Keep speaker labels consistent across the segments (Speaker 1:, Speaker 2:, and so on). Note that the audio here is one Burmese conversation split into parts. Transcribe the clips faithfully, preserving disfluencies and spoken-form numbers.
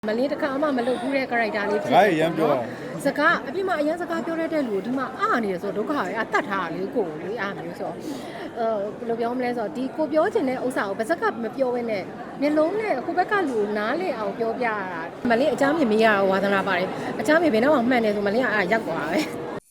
Speaker 1: မလေးတခါမှမလုပ်ဘူးတဲ့ character လေးဖြစ်တယ်နော်စကားအပြစ်မှအရင်စကားပြောရတဲ့လူဒီမှာအားနေရဆိုဒုက္ခရအတတ်ထားတာလေကိုလေအားမျိုးဆိုအဲဘယ်လိုပြောမလဲဆိုတော့ဒီကိုပြောချင်တဲ့ဥစ္စာကိုဗစက်ကမပြောဘဲနဲ့မျက်လုံးနဲ့ကိုဘက်ကလူနားလေအောင်ပြောပြရတာမလေးအချမ်းမြင်မရတော့ဝါသနာပါတယ်အချမ်းမြင်ဘယ်တော့မှမှန်တယ်ဆိုမလေးကအားရောက်သွားပဲ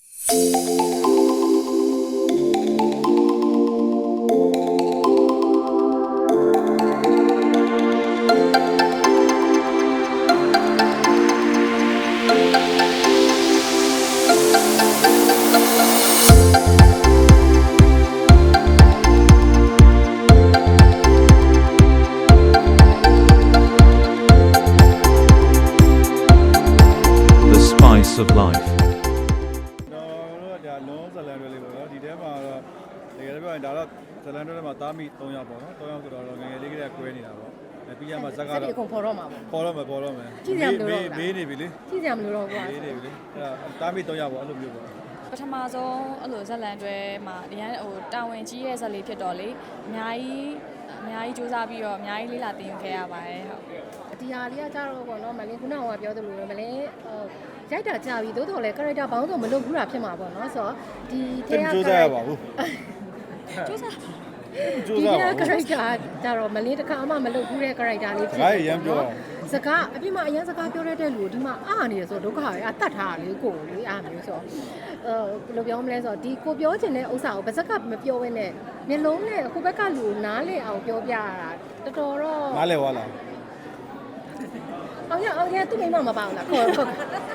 Speaker 2: of life
Speaker 3: တော့ဒါလုံးဇလန်တွေလေးပေါ့နော်ဒီထဲမှာတော့တကယ်ပြောရင်ဒါတော့ဇလန်တွေထဲမှာတားမိ၃ယောက်ပေါ့နော်၃ယောက်ဆိုတော့ငယ်ငယ်လေးကလေးကွဲနေတာပေါ့အဲပြီးရမှာဇက်ကတော့
Speaker 1: ပေါ်တော့မှာပေါ့
Speaker 3: ပေါ်တော့မယ်ပေါ်တော့မယ်
Speaker 1: ကြည့်ကြမလို့တော့
Speaker 3: မေးနေပြီလေ
Speaker 1: ကြည့်ကြမလို့တော့ကွာ
Speaker 3: မေးနေပြီလေအဲတားမိ၃ယောက်ပေါ့အဲ့လိုမျိုးပေါ့
Speaker 4: ပထမဆုံးအဲ့လိုဇက်လန်တွေမှာအရန်ဟိုတာဝန်ကြီးရဲ့ဇက်လေးဖြစ်တော့လေအများကြီးအများကြီးစူးစမ်းပြီးတော့အများကြီးလေးလာတင်ခဲ့ရပါတယ်ဟုတ်
Speaker 1: ဒီဟာလေးကကြတော့ပေါ့နော်မလင်းခုနကပြောသလိုပဲမလင်းဟိုရိုက်တာကြာပြီသို့တော်လည်း character ဘောင်းဆိုမလုပ်ဘူးတာဖြစ်မှာပေါ့နော်ဆိုတော့ဒီ
Speaker 3: ထဲက character ရပါဘူး
Speaker 4: စူးစမ်း
Speaker 1: ဒီထဲက character ကြတော့မလင်းတခါမှမလုပ်ဘူးတဲ့ character လေးဖြစ်
Speaker 3: တယ်ရမ်းပြော
Speaker 1: စကားအပြစ်မှအရင်စကားပြောရတဲ့လူဒီမှာအားနေရဆိုဒုက္ခရအတတ်ထားတာလေကိုလေအားမျိုးဆိုအဲဘယ်လိုပြောမလဲဆိုတော့ဒီကိုပြောချင်တဲ့ဥစ္စာကိုဗစက်ကမပြောဘဲနဲ့မျက်လုံးနဲ့ကိုဘက်ကလူနားလေအောင်ပြောပြရတာတော်တော်တော့
Speaker 3: နားလေဝါလား
Speaker 1: အောင်ရအောင်ရသူ့မိမမပါဘူးလားခေါ်ခေါ်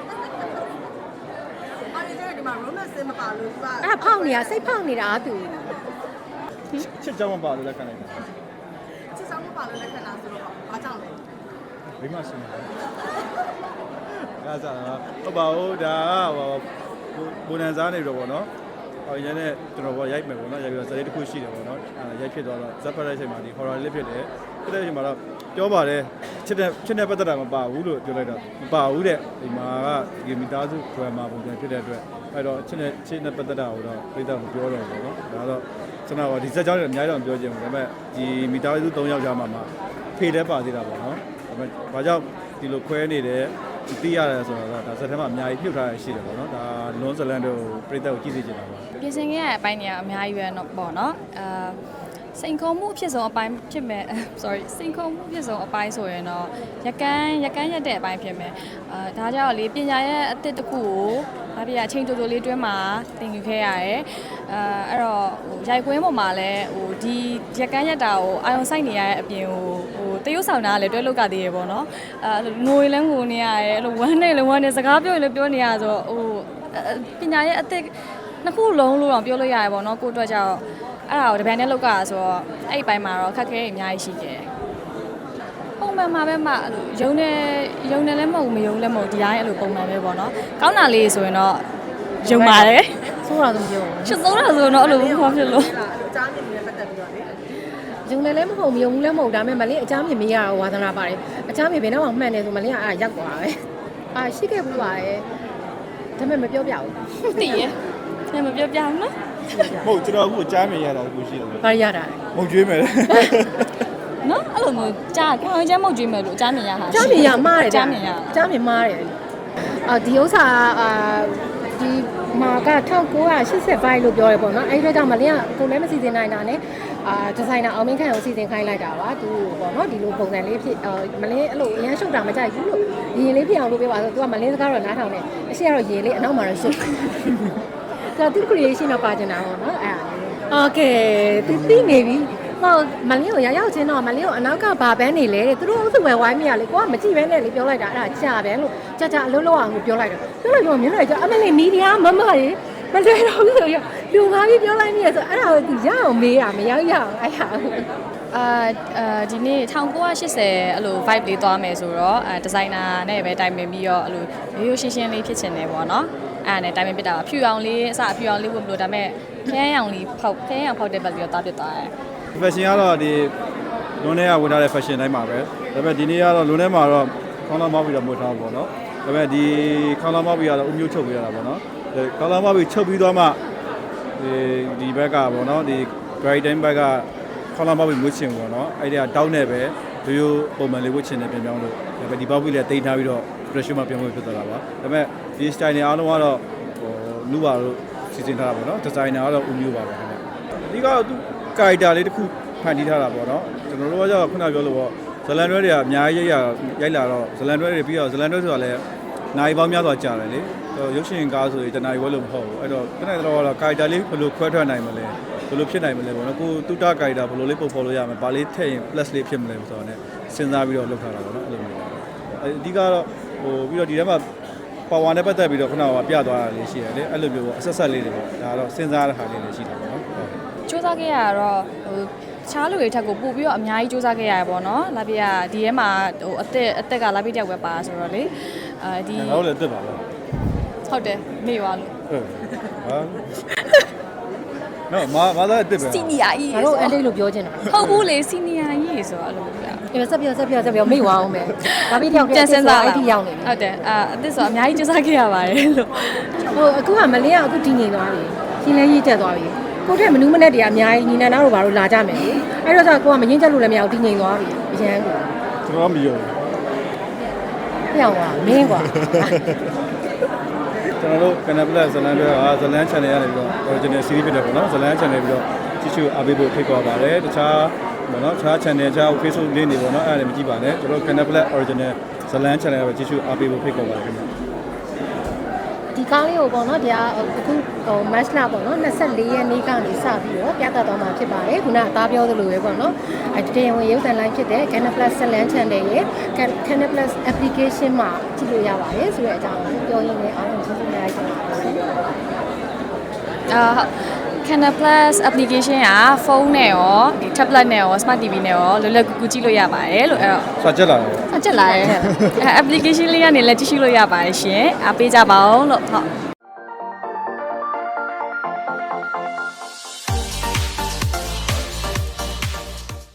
Speaker 5: အဲ့ဒီဒီမှာ romance မပါလို့သူက
Speaker 1: အဲ့ဖောက်နေတာစိတ်ဖောက်နေတာသူ
Speaker 3: ချစ်ကြောင်းမပါလို့လက်ခံလိုက်တာ
Speaker 5: ချစ်ဆောင်မပါလို့လက်ခံတာဆိုတော့ဘာကြောင့်လဲ
Speaker 3: ဘယ်မှာရှင်လဲအဲ့ဒါဟုတ်ပါဘူးဒါဟိုဘုံနန်စားနေတော့ဗောနော်ဟိုရင်းနဲ့ကျွန်တော်ဗောရိုက်မယ်ဗောနော်ရိုက်ပြီးတော့ဇာတ်လေးတစ်ခုရှိတယ်ဗောနော်အဲ့ရိုက်ဖြစ်သွားတော့ဇက်ဖက်ရိုက်ချိန်မှာဒီ horror လေးဖြစ်တယ်ဖြစ်တဲ့အချိန်မှာတော့ပြောပါတယ်ချစ်တဲ့ချစ်တဲ့ပတ်သက်တာမပါဘူးလို့ပြောလိုက်တာမပါဘူးတဲ့ဒီမှာကဒီမီတာစု drama ပုံစံဖြစ်တဲ့အတွက်အဲ့တော့ချစ်တဲ့ချစ်တဲ့ပတ်သက်တာကိုတော့ပြသမပြောတော့ဘူးဗောနော်ဒါတော့ကျွန်တော်ဒီဇက်ကြောင်းတွေအများကြီးတော့ပြောချင်ဘူးဒါပေမဲ့ဒီမီတာစု၃ယောက်ကြားမှာမှဖေတဲ့ပါသေးတာဗောနော်ဒါပေမဲ့ဘာကြောင့်ဒီလိုခွဲနေတယ်သိရတယ်ဆိုတော့ဒါဇက်ထဲမှာအများကြီးပြုတ်ထားရရှိတယ်ဗောနော်ဒါလွန်ဇလန်တို့ပြသကိုကြည့်စေချင်တာပါ
Speaker 4: ပြင်ဆင်ခဲ့ရတဲ့အပိုင်းတွေကအများကြီးပဲเนาะပေါ့เนาะအာစိန်ခေါ်မှုအဖြစ်ဆုံးအပိုင်းဖြစ်မယ် sorry စိန်ခေါ်မှုအဖြစ်ဆုံးအပိုင်းဆိုရင်တော့ရကန်းရကန်းရက်တဲ့အပိုင်းဖြစ်မယ်အာဒါကြောင့်လေပညာရဲ့အသစ်တစ်ခုကိုဘာဖြစ်ရအချိန်တိုတိုလေးတွင်းမှာသင်ယူခဲ့ရတယ်အာအဲ့တော့ဟိုရိုက်ကွင်းပေါ်မှာလည်းဟိုဒီရကန်းရက်တာကိုအာယုံစိုက်နေရတဲ့အပြင်ဟိုဟိုတရုတ်ဆောင်တာလည်းတွဲလုတ်ကသေးရပေါ့နော်အာငိုလည်းငိုနေရတယ်အဲ့လိုဝမ်းနဲ့လည်းဝမ်းနဲ့စကားပြောရင်လည်းပြောနေရဆိုတော့ဟိုပညာရဲ့အသစ်နှစ်ခုလုံးလို့တော့ပြောလို့ရတယ်ပေါ့နော်ကိုအတွက်ကြောင့်အဲ့ဒါကိုတပံနဲ့လောက်ကဆိုတော့အဲ့ဒီပိုင်းမှာတော့ခက်ခဲအများကြီးရှိတယ်ပုံမှန်မှာပဲမှအဲ့လိုယုံနေယုံနေလည်းမဟုတ်မယုံလည်းမဟုတ်ဒီတိုင်းအဲ့လိုပုံမှန်ပဲပေါ့နော်ကောင်းတာလေးဆိုရင်တော့ယုံပါတယ်
Speaker 1: ဆိုးတာတော့ပြော
Speaker 4: ချစ်ဆုံးတာဆိုတော့အဲ့လိုဘာဖြစ်လို့
Speaker 5: ကြားနေနေပတ်သက်ပြီးတော့လေ
Speaker 1: ယုံနေလည်းမဟုတ်မယုံလည်းမဟုတ်ဒါပေမဲ့မလေးအချမ်းမြင်မရတော့ဝါသနာပါတယ်အချမ်းမြင်ဘယ်တော့မှမှန်တယ်ဆိုမလေးကအားရောက်သွားပဲအာရှိခဲ့ဘူးပါရဲ့ဒါပေမဲ့မပြောပြဘူး
Speaker 4: သိရဲ့ဒါမပြောပြဘူးနော်
Speaker 3: ဟုတ်ကျွန်တော်အခုကြားမြင်ရတာကိုရှိတယ်
Speaker 1: ဘာရတာ
Speaker 3: မုတ်ကျွေးမယ်
Speaker 4: နော်အဲ့လိုမျိုးကြားခေါင်းကျမ်းမုတ်ကျွေးမယ်လို့ကြားမြင်ရတာ
Speaker 1: ကြားမြင်ရမှားတယ်
Speaker 4: ကြားမြင်ရ
Speaker 1: ကြားမြင်မှားတယ်အာဒီဥစ္စာအာဒီမာက၁၉၈၅လို့ပြောရပေါ့နော်အဲ့ဒီတော့ကြောင့်မလင်းကကိုလည်းမစီစဉ်နိုင်တာနဲ့အာဒီဇိုင်နာအောင်မင်းခန့်ကိုစီစဉ်ခိုင်းလိုက်တာပါသူပေါ့နော်ဒီလိုပုံစံလေးဖြစ်မလင်းအဲ့လိုအရန်ရှုပ်တာမကြိုက်ဘူးလို့ရင်လေးဖြစ်အောင်လုပ်ပေးပါဆိုသူကမလင်းစကားတော့နားထောင်နေအရှိကတော့ရင်လေးအနောက်မှာတော့ရှုပ်ဆိုတော့သူ creation တော့ပါကျင်တာပေါ့နော်အဲ့ဒါโอเคသူသိနေပြီဟောမလင်းကိုရရောက်ချင်းတော့မလင်းကိုအနောက်ကဘာပန်းနေလဲတဲ့သူတို့အုပ်စုဝယ်ဝိုင်းမိရလေကိုကမကြည့်ပဲနဲ့လေပြောလိုက်တာအဲ့ဒါကြာပဲလို့ကြာကြာအလုံးလုံးအောင်ကိုပြောလိုက်တော့ပြောလိုက်တော့မြင်လိုက်ကြအမလေးမီဒီယာမမရေမလွယ်တော့ဘူးဆိုရလူငါးပြီးပြောလိုက်မိရဆိုအဲ့ဒါကိုသူရအောင်မေးတာမရောက်ရအောင်အဲ့ဟာ
Speaker 4: အာအာဒီနေ့၁၉၈၀အဲ့လို vibe လေးသွားမယ်ဆိုတော့အဲဒီဇိုင်နာနဲ့ပဲတိုင်ပင်ပြီးတော့အဲ့လိုရိုးရိုးရှင်းရှင်းလေးဖြစ်ချင်တယ်ပေါ့နော်အဲ့ဒါနဲ့တိုင်ပင်ပြတာပါဖြူအောင်လေးအစဖြူအောင်လေးဝတ်မလို့ဒါပေမဲ့ခရမ်းရောင်လေးဖောက်ခရမ်းရောင်ဖောက်တဲ့ဘက်ပြီးတော့တားပြစ်သွားတယ်
Speaker 3: fashion ကတော့ဒီလွန်ထဲကဝင်ထားတဲ့ fashion တိုင်းပါပဲဒါပေမဲ့ဒီနေ့ကတော့လွန်ထဲမှာတော့ခေါင်းလောင်းမောက်ပြီးတော့မွေထားပါတော့ဒါပေမဲ့ဒီခေါင်းလောင်းမောက်ပြီးတော့အမျိုးချုပ်ပေးရတာပေါ့နော်ခေါင်းလောင်းမောက်ပြီးချုပ်ပြီးတော့မှဒီဒီဘက်ကပေါ့နော်ဒီ dry time ဘက်ကခေါင်းလောင်းမောက်ပြီးမွေးချင်ပေါ့နော်အဲ့ဒီကတောင်းနေပဲရိုးရိုးပုံမှန်လေးဝတ်ချင်တယ်ပြန်ပြောင်းလို့ဒါပေမဲ့ဒီပေါက်ပြီးလည်းတိတ်ထားပြီးတော့ pressure မှာပြောင်းလို့ဖြစ်သွားတာပါဒါပေမဲ့ဒီ style တွေအားလုံးကတော့ဟိုလူပါတို့စီစဉ်ထားတာပေါ့နော် designer ကတော့ဦးမျိုးပါပါခင်ဗျအဓိကတော့သူ character လေးတစ်ခုဖန်တီးထားတာပေါ့နော်ကျွန်တော်တို့ကကြောက်ခုနပြောလို့ပေါ့ဇလန်တွဲတွေကအများကြီးရိုက်ရရိုက်လာတော့ဇလန်တွဲတွေပြီးတော့ဇလန်တွဲဆိုတာလည်းနိုင်ပေါင်းများစွာကြာတယ်လေရုပ်ရှင်ကားဆိုရင်တနားရီဝဲလို့မဟုတ်ဘူးအဲ့တော့တနေ့တော့ကတော့ character လေးဘယ်လိုခွဲထွက်နိုင်မလဲဘယ်လိုဖြစ်နိုင်မလဲပေါ့နော်ကိုတူတာ character ဘယ်လိုလေးပုံဖော်လို့ရမလဲဘာလေးထည့်ရင် plus လေးဖြစ်မလဲဆိုတော့ ਨੇ စဉ်းစားပြီးတော့လုပ်ထားတာပေါ့နော်အဲ့လိုမျိုးအဓိကတော့ဟိုပြီးတော့ဒီထဲမှာပါဝါနဲ့ပတ်သက်ပြီးတော့ခုနကပြသွားတာလေးရှိတယ်လေအဲ့လိုမျိုးပေါ့အဆက်ဆက်လေးတွေပေါ့ဒါကတော့စဉ်းစားရတဲ့ဟာလေးလည်းရှိတာပေါ့နော်ဟုတ်
Speaker 4: စူးစမ်းခဲ့ရတော့ဟိုချားလူတွေထက်ကိုပို့ပြီးတော့အများကြီးစူးစမ်းခဲ့ရတယ်ပေါ့နော်လာပြဒီထဲမှာဟိုအသက်အသက်ကလာပြတယောက်ပဲပါဆိုတော့လေအဲဒီ
Speaker 3: ငါတို့လည်းတက်ပါလား
Speaker 4: ဟုတ်တယ်မေ့သွားလို့
Speaker 3: ဟုတ်ဟာနော်မမသားတက်ပဲ
Speaker 4: စီနီယာကြီး
Speaker 1: ငါတို့အန်တိတ်လို့ပြောချင်တာ
Speaker 4: ဟုတ်ဘူးလေစီနီယာကြီးဆိုတော့အဲ့လိုပြ
Speaker 1: ဒီဆက်ပြဆက်ပြဆက်ပြမိသွားအောင်မယ်ဒါပြီးတယောက်
Speaker 4: ပြန်စဉ်းစား
Speaker 1: အဲ့ဒီရောက်နေပြီ
Speaker 4: ဟုတ်တယ်အာအသက်ဆိုအများကြီးစူးစမ်းခဲ့ရပါတယ်လို့
Speaker 1: ဟိုအခုကမလင်းကအခုတည်ငြိမ်သွားပြီရှင်းလဲရေးတက်သွားပြီကိုတဲ့မနူးမနဲ့တည်းအများကြီးညီနန်းသားတို့ဘာလို့လာကြမယ်လေအဲ့တော့ကျကိုကမငင်းချက်လို့လည်းမရဘူးတည်ငြိမ်သွားပြီအရန်ကို
Speaker 3: ကျွန်တော်မယုံ
Speaker 1: ပြောင်းသွားမင်းကွာ
Speaker 3: ကျွန်တော်တို့ Canal Plus ဇလန်တွေကဇလန် channel ရနေပြီးတော့ original series ဖြစ်တယ်ပေါ့နော်ဇလန် channel ပြီးတော့ကြည့်ရှုအားပေးဖို့ဖိတ်ခေါ်ပါတယ်တခြားပေါ့နော်တခြား channel တခြား Facebook လေးနေပေါ့နော်အဲ့ဒါလည်းမကြည့်ပါနဲ့ကျွန်တော်တို့ Canal Plus original ဇလန် channel ပဲကြည့်ရှုအားပေးဖို့ဖိတ်ခေါ်ပါတယ်ခင်ဗျ
Speaker 1: ဒီကားလေးကိုပေါ့နော်တရားအခုဟို match လာပေါ့နော်နှစ်၄ရက်နေ့ကနေစပြီးတော့ပြသတော့မှာဖြစ်ပါတယ်ခုနအသားပြောသလိုပဲပေါ့နော်အဲတင်ဝင်ရုပ်သံလိုင်းဖြစ်တဲ့ Canal Plus Salon Channel ရဲ့ Canal Plus application မှာကြည့်လို့ရပါတယ်ဆိုတဲ့အကြောင်းကိုပြောရင်းနဲ့အားလုံးကျေးဇူးများကြီးတင်ပါတယ်
Speaker 4: အာ Canal Plus application ကဖုန်းနဲ့ရော tablet နဲ့ရော smart တီဗီ နဲ့ရောလွယ်လွယ်ကူကူကြည့်လို့ရပါတယ်လို့အဲ့တော့
Speaker 3: စာချက်လာတယ်
Speaker 4: အချက်လာရဲ့အဲ application လေးကနေလည်းကြည့်ရှုလို့ရပါတယ်ရှင်အားပေးကြပါဦးလို့ဟုတ်